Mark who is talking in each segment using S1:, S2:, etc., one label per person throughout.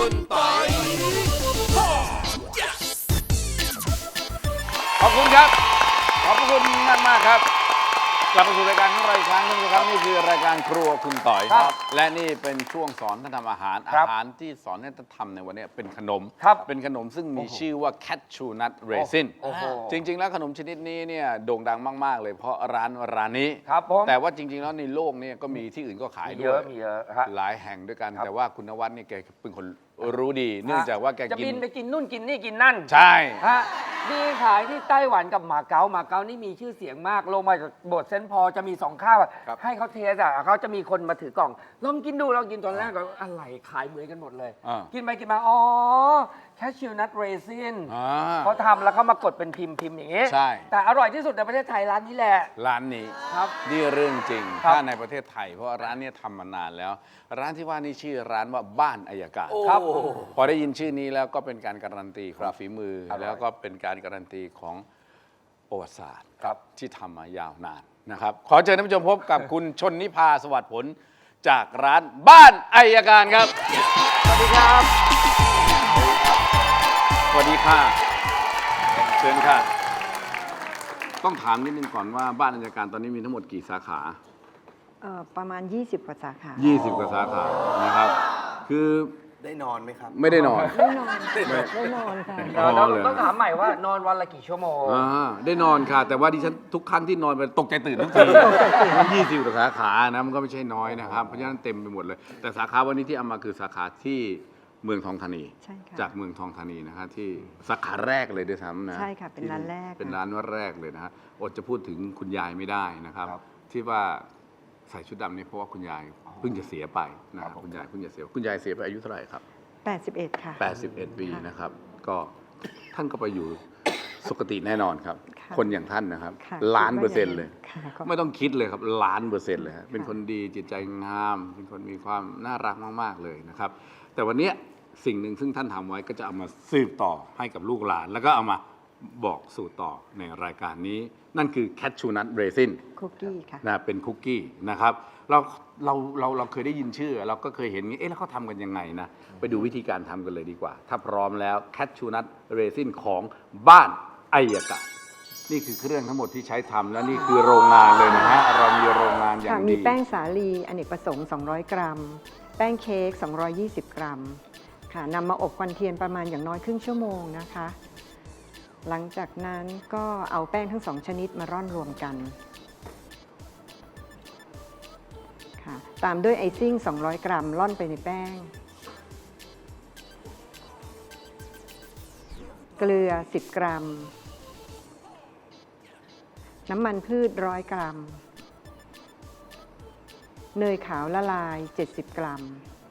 S1: คุณปอย
S2: ขอบคุณครับ ขอบคุณมากมากครับกลับมาสู่รายการของเราอีกครั้งนึงนะครับนี่คือรายการครัวคุณต่อยครับและนี่เป็นช่วงสอนท่านทำอาหารที่สอนให้ท่านทำในวันนี้เป็นขนมเป็นขนมซึ่งมีชื่อว่า Cashew Nut Raisin จริงๆแล้วขนมชนิดนี้เนี่ยโด่งดังมากๆเลยเพราะร้านนี้แต่ว่าจริงๆแล้วในโลกนี้ก็มีที่อื่นก็ขายด้วย
S3: มีเยอะ
S2: หลายแห่งด้วยกันแต่ว่าคุณนวัดเนี่ยแกเป็นคนรู้ดีเนื่องจากว่าแก
S3: จะ
S2: กิน
S3: บินไปกินนู่นกินนี่กินนั่น
S2: ใช่
S3: ฮะมีขายที่ไต้หวันกับมาเก๊านี่มีชื่อเสียงมากลงมาจากโบสถ์เซนต์พอลจะมี2ข้าวให้เขาเทสเขาจะมีคนมาถือกล่องลองกินดูลองกินตอนแรกก็อะไรขายเหมือนกันหมดเลย กินไปกินมาอ๋อแคชชิวนัทเรซินเขาทำแล้วเขามากดเป็นพิมพ์อย่างนี้
S2: ใช่
S3: แต่อร่อยที่สุดในประเทศไทยร้านนี้แหละ
S2: ร้านนี้
S3: ครับ
S2: นี่เรื่องจริง
S3: ครับ
S2: ถ้าในประเทศไทยเพราะว่าร้านเนี้ทำมานานแล้ว ร้านที่ว่านี่ชื่อร้านว่าบ้านอัยการ
S3: ครับ
S2: พอได้ยินชื่อนี้แล้วก็เป็นการการันตีของฝีมือ แล้วก็เป็นการการันตีของประวัติศาสตร์ที่ทำมายาวนานนะครับ ขอเชิญท่านผู้ชมพบกับคุณชนนิพาสวัสดิ์ผลจากร้านบ้านอัยการครับ
S3: สวัสดีครับ
S2: สวัสดีค่ะเชิญค่ะ ต้องถามนิดนึงก่อนว่าบ้านอัยการตอนนี้มีทั้งหมดกี่สาขา
S4: ประมาณ 20 กว่าสาขา
S2: 20 กว่าสาขานะครับ คือ
S1: ได้นอนไหมครับ
S2: ไม่ได้นอน
S4: ไม่นอนไม่นอนค่ะ
S3: ต้องถามใหม่ว่านอนวันละกี่ชั่วโมง
S2: ได้นอนค่ะ แต่ว่าดิฉันทุกครั้งที่นอนไปตกใจตื่นทุกทีมัน20 กว่าสาขานะมันก็ไม่ใช่น้อยนะครับ เพราะฉะนั้นเต็มไปหมดเลย แต่สาขาวันนี้ที่เอามาคือสาขาที่เมืองทองธานี
S4: ใช่ค่ะ
S2: จากเมืองทองธานีนะคะที่สาขาแรกเลยด้วยซ้ำนะ
S4: ใช่ค่ะเป็นร้านแรก
S2: เป็นร้านแรกเลยนะฮะอดจะพูดถึงคุณยายไม่ได้นะครับ ที่ว่าใส่ชุดดำนี่เพราะว่าคุณยายเพิ่งจะเสียไปนะครับคุณยายเพิ่งจะเสียคุณยายเสียไปอายุเท่าไหร่ครับ
S4: 81 ค่ะ
S2: 81 ปีนะครับก็ท่านก็ไปอยู่สุคติแน่นอนครับ
S4: ค่ะ
S2: คนอย่างท่านนะครับ
S4: ค่ะ
S2: ล้านเปอร์เซ็นต์เลย
S4: ค่ะก็
S2: ไม่ต้องคิดเลยครับล้านเปอร์เซ็นต์เลยฮะเป็นคนดีจิตใจงาม เป็นคนมีความน่ารักมากๆเลยนะครับ แต่วันเนี้ยสิ่งหนึ่งซึ่งท่านทำไว้ก็จะเอามาสืบต่อให้กับลูกหลาน แล้วก็เอามาบอกสู่ต่อในรายการนี้ นั่นคือแคชชูนัทเรซิน
S4: คุกกี้ค่ะ
S2: นะเป็นคุกกี้นะครับเราเคยได้ยินชื่อ เราก็เคยเห็นเอ๊ะแล้วเขาทำกันยังไงนะไปดูวิธีการทำกันเลยดีกว่า ถ้าพร้อมแล้วแคชชูนัทเรซินของบ้านอัยกะนี่คือเครื่องทั้งหมดที่ใช้ทำและนี่คือโรงงานเลยนะฮะเรามีโรงงานอย่า
S4: ค่ะ
S2: ง
S4: มี
S2: ดี
S4: แป้งสาลีอเนกประสงค์ 200 กรัม แป้งเค้ก 220 กรัม ค่ะนำมาอบควันเทียนประมาณอย่างน้อยครึ่งชั่วโมงนะคะ หลังจากนั้นก็เอาแป้งทั้ง2ชนิดมาร่อนรวมกัน ค่ะ ตามด้วยไอซิ่ง 200 กรัม ร่อนไปในแป้ง เกลือ 10 กรัม น้ำมันพืช 100 กรัม เนยขาวละลาย 70 กรัม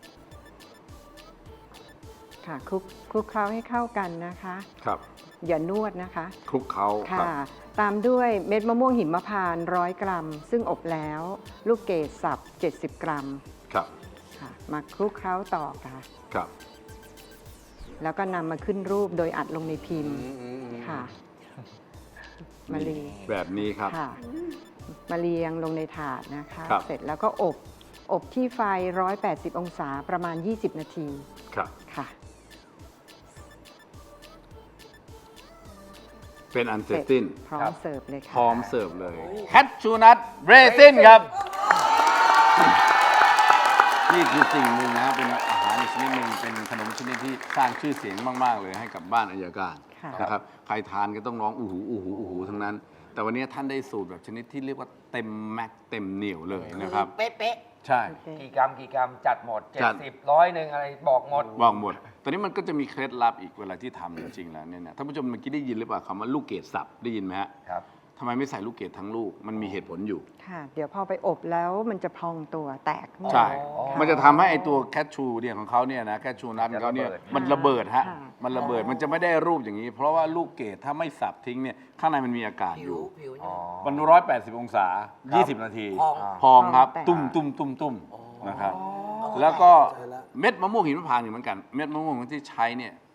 S4: ค่ะคลุกเคล้าให้เข้ากันนะคะ
S2: ครับ
S4: อย่านวดนะคะ
S2: คลุกเขาครับ
S4: ค่ะ ตามด้วยเม็ดมะม่วงหิมพานต์100 กรัม ซึ่งอบแล้ว ลูกเกดสับ 70 กรัม
S2: ครับ
S4: ค่ะ มาคลุกเคล้าต่อค่ะ
S2: ครับ
S4: แล้วก็นำมาขึ้นรูปโดยอัดลงในพิมพ์ ค่ะ มาเรียง
S2: แบบนี้ครับ
S4: ค่ะ มาเรียงลงในถาดนะคะ
S2: ครับ
S4: เสร็จแล้วก็อบที่ไฟ 180 องศาประมาณ 20 นาที
S2: ครับ
S4: ค่ะ
S2: เป็นอันเสร็จสิ้น
S4: พร้อมเสิร์ฟเลยค่ะ
S2: พร้อมเสิร์ฟเลยแคชชูนัทเรซินครับ นี่คือสิ่งหนึ่งนะครับเป็นอาหารอีกชนิดหนึ่งเป็นขนมชนิดที่สร้างชื่อเสียงมาก ๆ เลยให้กับบ้านอัยการ
S4: ค่ะ
S2: นะครับใครทานก็ต้องร้องอูหูอูหูอูหูทั้งนั้น แต่วันนี้ท่านได้สูตรแบบชนิดที่เรียกว่าเต็มแม็กเต็มเหนียวเลยนะครับ
S1: เป๊ะ
S2: ใช่
S4: โอเค
S3: กี่กรัมจัดหมด
S2: จัด
S3: 70 100หนึ่งอะไรบอกหมด
S2: บอกหมดตอนนี้มันก็จะมีเคล็ดลับอีกเวลาที่ทำจริงๆแล้วเนี่ยนะท่านผู้ชมเมื่อกี้ได้ยินหรือเปล่าคำว่าลูกเกดสับได้ยินไหมฮะ
S3: ครับ
S2: ทำไมไม่ใส่ลูกเกดทั้งลูกมันมีเหตุผลอยู่
S4: ค่ะ เดี๋ยวพอไปอบแล้วมันจะพองตัวแตก
S2: ใช่
S3: อ๋อ
S2: มันจะทำให้ไอตัวแคชชูเนี่ยของเขาเนี่ยนะแคชชูนัทของเขาเนี่ยมันระเบิดฮะ
S4: ค่ะ
S2: มันระเบิดมันจะไม่ได้รูปอย่างนี้ เพราะว่าลูกเกดถ้าไม่สับทิ้งเนี่ยข้างในมันมีอากาศ
S1: ๆ
S2: อ
S1: ผิว
S2: ยู่
S1: ผิว
S3: อ๋อ
S2: มัน180 องศา 20 นาที
S1: พอง
S2: พองครับ
S4: แตก
S2: ตุ้มนะครับ แล้วก็เม็ดมะม่วงหิมพานต์อยู่เหมือนกัน เม็ดมะม่วงที่ใช้เนี่ย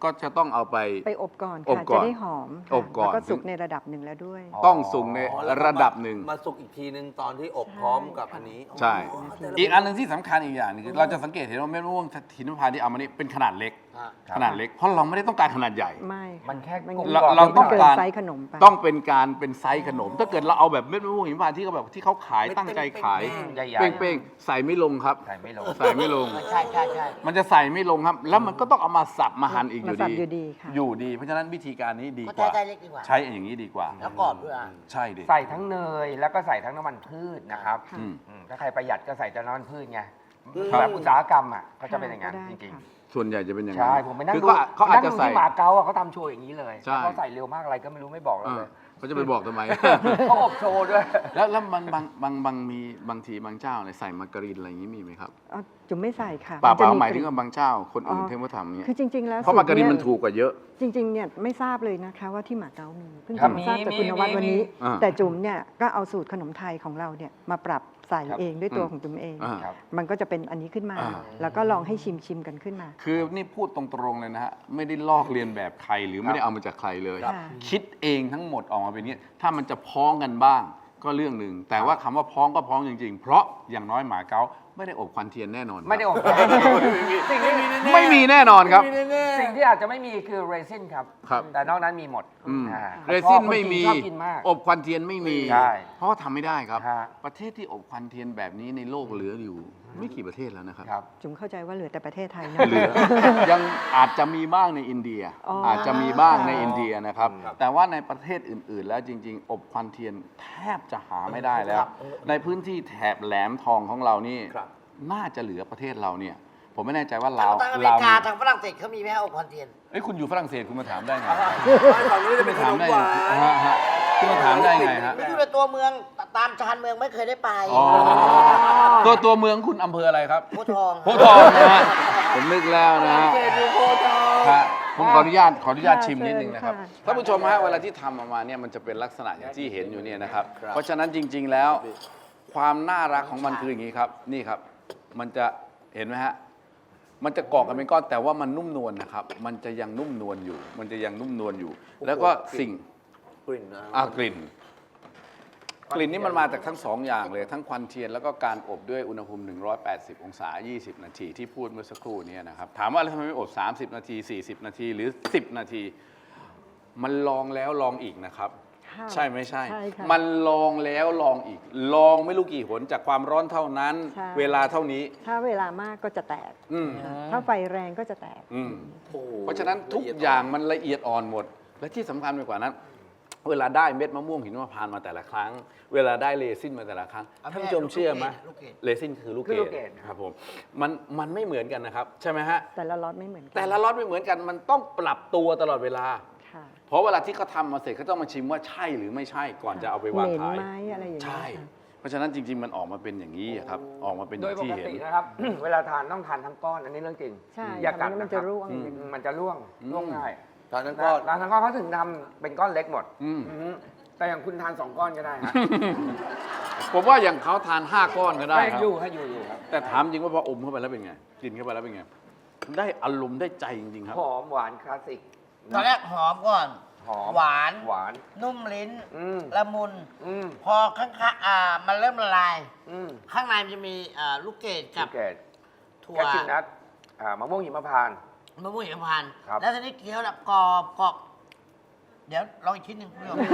S2: ก็จะต้องเอาไป
S4: ไปอบก่อน
S2: อบ
S4: ค่ะ
S2: ก่
S4: จะ
S2: อน
S4: ได้หอมค่ะ
S2: อบก่อน
S4: แล้วก็สุกในระดับหนึ่งแล้วด้วย
S2: ต้องสุกในระดับหนึ่ง
S1: มาสุกอีกทีนึงตอนที่อบพร้อมกับอันนี้
S2: ใช่
S1: อ๋อแต่ละ
S2: อีกอันหนึ่งที่สำคัญอีกอย่างหนึงคือเราจะสังเกตเห็นว่าเม็ดมะม่วงหินพานต์ที่เอามานี่เป็นขนาดเล็ก
S1: ฮะ
S2: ขนาดเล็ก เพราะเราไม่ได้ต้องการขนาดใหญ่
S4: ไม่ค่ะ
S3: มันแค่
S4: มัน
S3: กลม
S2: เรา
S3: กล่อม
S2: เราต้อง
S4: เกิน
S2: การ
S4: ไซส์ขนมไป
S2: ต้องเป็นการเป็นไซส์ขนม ถ้าเกิดเราเอาแบบเม็ดมะม่วงหิมพานต์ที่เขาแบบที่เขาขายตั้งใจขาย
S3: ใหญ่ๆ
S2: เป้งๆใส่ไม่ลงครับ
S3: ใส่ไม่ลง
S2: ใส่ไม่ลง
S1: ใช่ใช่ใช่
S2: มันจะใส่ไม่ลงครับ แล้วมันก็ต้องเอามาสับมาหั่นอีกอยู่
S4: มาสับ
S2: ดี
S4: อยู่ดีค่ะ
S2: อยู่ดี เพราะฉะนั้นวิธีการนี้ดี
S1: ก็
S2: กว่า
S1: ใช้เล็กดีกว่า
S2: ใช้อย่างนี้ดีกว่า
S1: แล้วกรอบด้วยอ่ะ
S2: ใช่ดิ
S3: ใส่ทั้งเนยแล้วก็ใส่ทั้งน้ำมันพืชนะครับ
S4: ค่ะ
S2: อืม
S3: ถ้าใครประหยัดก็ใส่แต่น้ำมันพืชไง
S2: ครับ
S3: แบบอุตสาหกรรมอ่ะเขาจะเป็นอย่างนั้น
S4: ค่ะ
S3: จริง
S4: ค่ะ
S2: ส่วนใหญ่จะเป็นอย่าง
S3: ๆ
S2: นั้น
S3: ใช่ผมไปนั่ง
S2: คือ
S3: ดู
S2: เขาอาจจะ
S3: นั่งดู
S2: ใส่
S3: ที่หมาเก๊าอะเขาทำโชว์อย่างนี้เลย
S2: ใช่
S3: แล้วเขาใส่เร็วมากอะไรก็ไม่รู้ไม่บอกเราเลย
S2: เขาจะไปบอกทำไม
S3: เขาอบโชว์ด้วย
S2: แล้วบางมีบางทีบางเจ้าเนี่ยใส่มาการีนอะไรอย่างนี้มีไหมครับ
S4: อ๋อจุ๋มไม่ใส่ค่ะ
S2: เปล่า
S4: จะ
S2: หมายถึง
S4: กลิ่น
S2: ว่าบางเจ้าคนอื่น
S4: อ๋อ
S2: เทมว่าทำอย่างเงี้ย
S4: คือจริง ๆ แล้ว
S2: เพราะมาการีน
S4: สูต
S2: มันถูกกว่าเยอะ
S4: จริงๆเนี่ยไม่ทราบเลยนะคะว่าที่หมาเก๊ามีเพิ่ง
S3: ครับ
S4: จะมาทราบจาก
S3: มี
S4: คุณนวัดวันนี้
S2: อ่า
S4: แต่จุ๋มเนี่ยก็เอาสูตรขนมไทยของเราเนี่ยมาปรับใส่
S3: ครับ
S4: เองด้วยตัว
S2: อืม
S4: ของจุ๋มเอง
S2: อ่า
S3: ครับ
S4: มันก็จะเป็นอันนี้ขึ้นมา
S2: อ่า
S4: แล้วก็ลองให้ชิมกันขึ้นมา
S2: คือนี่พูดตรงๆเลยนะฮะ ไม่ได้ลอกเรียนแบบใครหรือไม่ได้เอามาจากใครเลย
S4: ครับ
S2: คิดเองทั้งหมดออกมาเป็นอย่างนี้ถ้ามันจะพ้องกันบ้างก็เรื่องหนึ่งแต่ว่าคำว่าพ้องก็พ้องจริงๆ เพราะอย่างน้อยหมาเก๊าไม่ได้อบควันเทียนแน่นอน
S3: ไม่ได้อบสิ่งที่
S2: ไม่มีแน่นอนครับ
S3: สิ่งที่อาจจะไม่มีคือเรซินครับ
S2: ครับ
S3: แต่นอกนั้นมีหมด
S2: อืม
S3: อ่า
S2: เรซินไม่มี
S3: ชอบกินมาก
S2: อบควันเทียนไม่มี
S3: ใช่
S2: เพราะว่าทำไม่ได้ครับ
S3: ฮะ
S2: ประเทศที่อบควันเทียนแบบนี้ในโลกเหลืออยู่ ไม่กี่ประเทศแล้วนะครับ
S3: ครับ
S4: จุ๋มเข้าใจว่าเหลือแต่ประเทศไทยนะ
S2: เหลือ ยังอาจจะมีบ้างในอินเดีย
S4: อ๋ออ
S2: อาจจะมีบ้างในอินเดียนะครับ
S3: ครับ
S2: แต่ว่าในประเทศอื่น ๆ แล้วจริง ๆ อบควันเทียนแทบจะหาไม่ได้แล้ว
S1: ครับ
S2: ในพื้นที่แถบแหลมทองของเรานี่
S1: ครับ
S2: น่าจะเหลือประเทศเราเนี่ย ผมไม่แน่ใจว่า
S5: ทา
S2: ลาง ว
S5: อเมริกาทางฝรั่งเศสเขามีไหมฮะอบควันเทียน
S2: เอ้ยคุณอยู่ฝรั่งเศสคุณมาถามได้ไง
S1: ฝั่งนู้นจะเป็นขนมหวาน
S2: ฮะคุณมาถามได้ไงฮะ
S5: ไม่อยู่ในตัวเมืองตามชานเมืองไม่เคยได้ไป
S2: อ๋อตัวเมืองคุณอำเภออะไรครับ
S5: โพธิ์ทอง
S2: โพธิ์ทองนะฮะผมนึกแล้วนะฮะ
S3: เกดูโพธิ์ทอง
S2: ครับผมขออนุญาต
S4: ค่ะ
S2: ชิมนิดนึงนะครับ
S4: เชิญค่ะ
S2: ท่านผู้ชมฮะเวลาที่ทำออกมาเนี่ยมันจะเป็นลักษณะอย่างที่เห็นอยู่เนี่ยนะครับ เพราะฉะนั้นจริง ๆ แล้ว ความน่ารักของมันคืออย่างนี้ครับ นี่ครับ มันจะเห็นไหมฮะมันจะเกาะกันเป็นก้อนแต่ว่ามันนุ่มนวลนะครับ มันจะยังนุ่มนวลอยู่ มันจะยังนุ่มนวลอยู่ แล้วก็สิ่ง
S1: กลิ่นนะ
S2: กลิ่น กลิ่นนี้มันมาจากทั้งสองอย่างเลย ทั้งควันเทียนแล้วก็การอบด้วยอุณหภูมิ 180 องศา 20 นาทีที่พูดเมื่อสักครู่นี้นะครับ ถามว่าแล้วทำไมไม่อบ 30 นาที 40 นาที หรือ 10 นาที มันลองแล้วลองอีกนะครับ
S4: ค่ะ
S2: ใช่ไม่ใช่
S4: ใช่ค่ะ
S2: มันลองแล้วลองอีก ลองไม่รู้กี่หนจากความร้อนเท่านั้น
S4: ใช่
S2: เวลาเท่านี้
S4: ถ้าเวลามากก็จะแตก
S2: อืม
S4: ถ้าไฟแรงก็จะแตก
S2: อืม
S1: โอ้โห
S2: เพราะฉะนั้นทุกอย่างมันละเอียดอ่อนหมด และที่สำคัญไปกว่านั้น เวลาได้เม็ดมะม่วงหินมะพร้าวมาแต่ละครั้ง เวลาได้เรซินมาแต่ละครั้ง
S5: เอา
S2: ท่าน
S5: แม่
S2: ผู้ชมเชื่อไหม
S5: ลูกเกด
S2: เรซินคือลูก
S3: คือลูก
S2: เก
S3: เก
S2: ด
S3: ด
S2: ครับผมมันไม่เหมือนกันนะครับ ใช่ไหมฮะ
S4: แต่ละล็อตไม่เหมือนกัน
S2: แต่ละล็อตไม่เหมือนกันมันต้องปรับตัวตลอดเวลา
S4: ค่ะ
S2: เพราะเวลาที่เขาทำมาเสร็จเขาต้องมาชิมว่าใช่หรือไม่ใช่ก่อนจะเอาไปวาง
S4: เหม็น
S2: ขาย
S4: ไหมอะไรอย่างเงี้ย
S2: ใช่
S4: ค่ะ
S2: เพราะฉะนั้นจริง ๆ มันออกมาเป็นอย่างนี้ครับออกมาเป็นอ
S3: โดย
S2: ย่าง
S3: ป
S2: ที่
S3: ก
S2: เห็น
S3: ตินะครับ เวลาทานต้องทานทั้งก้อนอันนี้เรื่องจริง
S4: ใช่
S3: อย่ากัด
S4: ทำให้มัน
S3: คบ
S4: จะร่วง
S3: มันจะร่วง
S2: อืม
S3: ร่วงง่าย
S1: ตอนนั้นก็
S3: ร้านทั้งก้อนเขาถึงทำเป็นก้อนเล็กหมด
S2: อืม
S3: อืมแต่อย่างคุณทาน2 ก้อนก็ได้ฮะ
S2: ผมว่าอย่างเขาทาน 5 ก้อนก็ได้
S3: ให้
S2: ครับ
S3: อยู่ให้อยู่ครับ
S2: แต่ถามจริงว่าพออมเข้าไปแล้วเป็นไง กินเข้าไปแล้วเป็นไง ได้อารมณ์ได้ใจจริง ๆ ครับ
S3: หอมหวานคลาสสิก
S5: ตอนแรกหอมก่อน
S3: หอม
S5: หวาน
S3: หวาน
S5: นุ่มลิ้น
S3: อืม
S5: ละมุน
S3: อืม
S5: พอข้างๆมันเริ่มละลาย
S3: อืม
S5: ข้างในมันจะมีลูกเกดกับ
S3: ลูกเกด
S5: ถั่ว
S3: แคชชิวนัทมะม่วงหิมพานต์
S5: มะม่วงหิมพานต์
S3: ครับ
S5: แล้วทีนี้เคี้ยวแบบกรอบเดี๋ยวลองอีกชิ้นหนึ่งคุณผู้ชม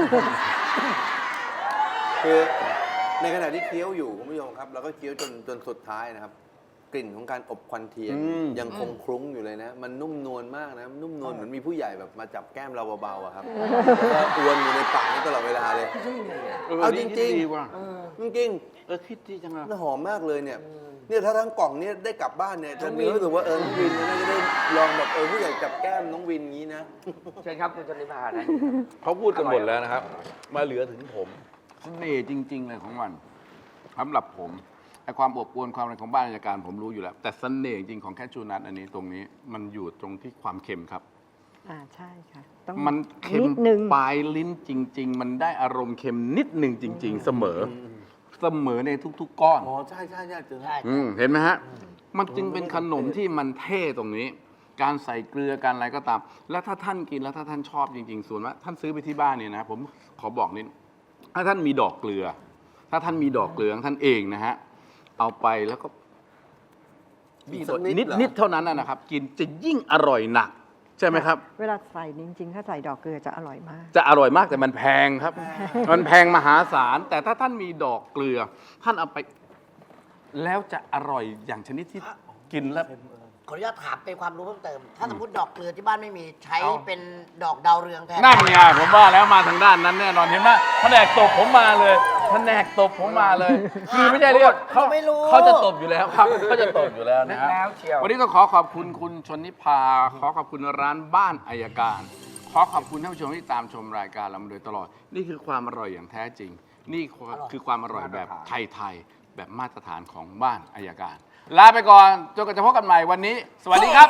S1: คือในขณะที่เคี้ยวอยู่คุณผู้ชมครับเราก็เคี้ยวจนสุดท้ายนะครับ กลิ่นของการอบควันเทียน
S2: อืม
S1: ยังคงคลุ้งอยู่เลยนะ มันนุ่มนวลมากนะนุ่มนวลเหมือนมีผู้ใหญ่แบบมาจับแก้มเราเบาๆอะครับแล้วอวนอยู่ในปากนี่ตลอดเวลาเลย เอาจริงๆ
S2: ดีว่ะ
S1: จริง
S2: คิดดีจังเลย
S1: ๆมันหอมมากเลยเนี่ยเนี่ยถ้าทั้งกล่องเนี่ยได้กลับบ้านเนี่ยจะมีรู้สึกว่าน้องวินเนี่ยน่าจะได้ลองแบบผู้ใหญ่จับแก้มน้องวินงี้นะ
S3: เชิญครับคุณชนิพานะ
S2: เขาพูดกันหมดแล้วนะครับ มาเหลือถึงผมเสน่ห์จริง ๆ เลยของมันสำหรับผมไอความอบอวลความอะไรของบ้านราชการผมรู้อยู่แล้ว แต่เสน่ห์จริงของแคชชูนัทอันนี้ตรงนี้มันอยู่ตรงที่ความเค็มครับ
S4: ใช่ค่ะ ต้อง
S2: มันเค็ม
S4: นิดนึง
S2: ปลายลิ้นจริง ๆ มันได้อารมณ์เค็มนิดหนึ่งจริง ๆ เสมอในทุก ๆ ก้อน
S1: อ๋อใช่ใช่ใช่เจอ
S5: ใช่
S2: เห็นไหมฮะ มันจึงเป็นขนมที่มันเท่ตรงนี้การใส่เกลือการอะไรก็ตาม แล้วถ้าท่านกินแล้วถ้าท่านชอบจริงๆส่วนว่าท่านซื้อไปที่บ้านเนี่ยนะผมขอบอกนิดถ้าท่านมีดอกเกลือ ถ้าท่านมีดอกเกลือของท่านเองนะฮะเอาไปแล้วก็
S1: บีบสักนิดเหรอ
S2: นิดเท่านั้นนะครับ กินจะยิ่งอร่อยหนัก ใช่ไหมครับ
S4: เวลาใส่จริงๆ ถ้าใส่ดอกเกลือจะอร่อยมาก
S2: จะอร่อยมากแต่มันแพงครับ มันแพงมหาศาล แต่ถ้าท่านมีดอกเกลือ ท่านเอาไป แล้วจะอร่อยอย่างชนิดที่กินแล้ว
S5: ขออนุญาตถามเป็นความรู้เพิ่มเติม ถ้าสมมติดอกเกลือที่บ้านไม่มีใช้เป็นดอกดาวเรืองแทน
S2: นั่นไงผมว่าแล้วมาทางด้านนั้นแน่นอนเห็นไหมแผนกตบผมมาเลยแผนกตบผมมาเลย คือไม่ใช่เรียกเขา
S5: ไม่รู้
S2: เขาจะตบอยู่แล้วครับเขาจะตบอยู่แล้วนะฮะ
S3: แล้วเชียว
S2: วันนี้ต้องขอขอบคุณคุณชนนิพา ขอขอบคุณร้านบ้านอัยการ ขอขอบคุณท่านผู้ชมที่ตามชมรายการเรามาโดยตลอด นี่คือความอร่อยอย่างแท้จริง นี่คือความอร่อยแบบไทยๆแบบมาตรฐานของบ้านอัยการ ลาไปก่อนจนกว่าจะพบกันใหม่วันนี้ สวัสดีครับ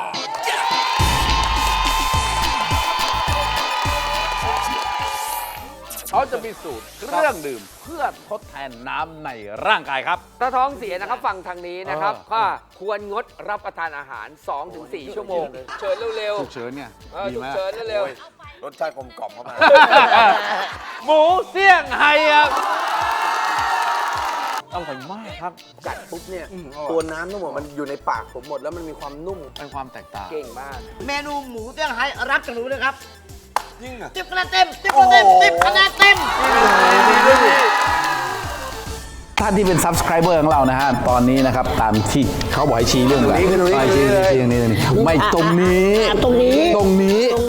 S2: เขาจะมีสูตรเครื่องดื่มเพื่อทดแทนน้ำในร่างกายครับ
S3: ถ้าท้องเสียนะครับฟังทางนี้นะครับ
S2: เออ
S3: ก็ควรงดรับประทานอาหาร 2-4 ชั่วโมง เชิญเร็ว
S2: ฉุกเฉินเนี่ย
S3: ๆเออ
S2: ดี
S3: ฉุก
S2: มาก
S3: เฉินเร็ว
S1: รสชาติกลมกล่อมเข้ามา
S2: หมูเสี่ยงไฮ้ครับอร่อยมากครับ
S1: กัดปุ๊บเนี่ย ตัวน้ำทั้งหมดมันอยู่ในปากผมหมดแล้วมันมีความนุ่ม
S2: เป็นความแตกต่าง
S3: ๆเก่งมาก
S5: เมนูหมูเตี้ยงไฮ้รับจากหนูเลยครับ
S1: ยิ่งอ่ะ
S5: 10 คะแนนเต็ม 10 คะแนนเต็ม 10 คะแนนเต็ม
S2: ท่านที่เป็น subscriber ของเรานะฮะ ตอนนี้นะครับ ตามที่เขาบอกให้ชี้เรื่องอะไร
S1: ตรงนี้
S2: ชี้ชี้ตรงนี้ ไม่ตรงนี้
S5: ตรงนี้
S2: ตรงนี้